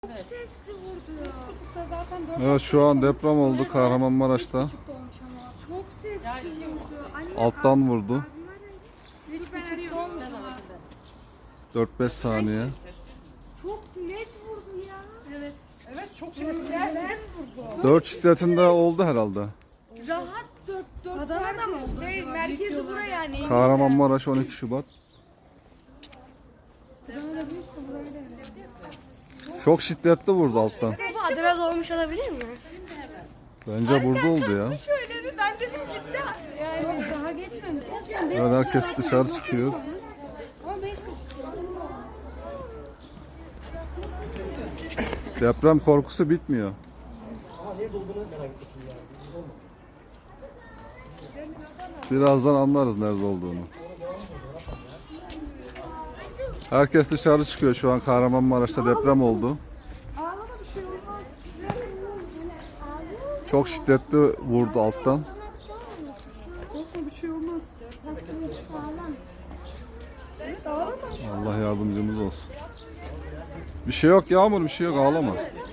Evet. Sesli vurdu ya. Zaten Evet, şu an deprem oldu Kahramanmaraş'ta. Çok sesli vurdu. Anne, Alttan vurdu. abim arayın. Ben arıyorum. 4-5 saniye. Çok net vurdu ya. Evet. Evet, çok şiddetli vurdu. 4 şiddetinde oldu herhalde. Rahat 4 Adana'da mı oldu Değil, acaba? merkezi buraya yani. Kahramanmaraş 12 Şubat. Çok şiddetli vurdu alttan. Bu Adana olmuş olabilir mi? Bence burada oldu ya. Şöyle ben dedim gitti. Yani daha geçmemiş. Evet, herkes dışarı çıkıyor. Deprem korkusu bitmiyor. Birazdan anlarız nerede olduğunu. Herkes dışarı çıkıyor, şu an Kahramanmaraş'ta deprem oldu. Ağlama, bir şey olmaz. Çok şiddetli vurdu alttan. Olsun, bir şey olmaz. Allah yardımcımız olsun. Bir şey yok Yağmur, bir şey yok, ağlama.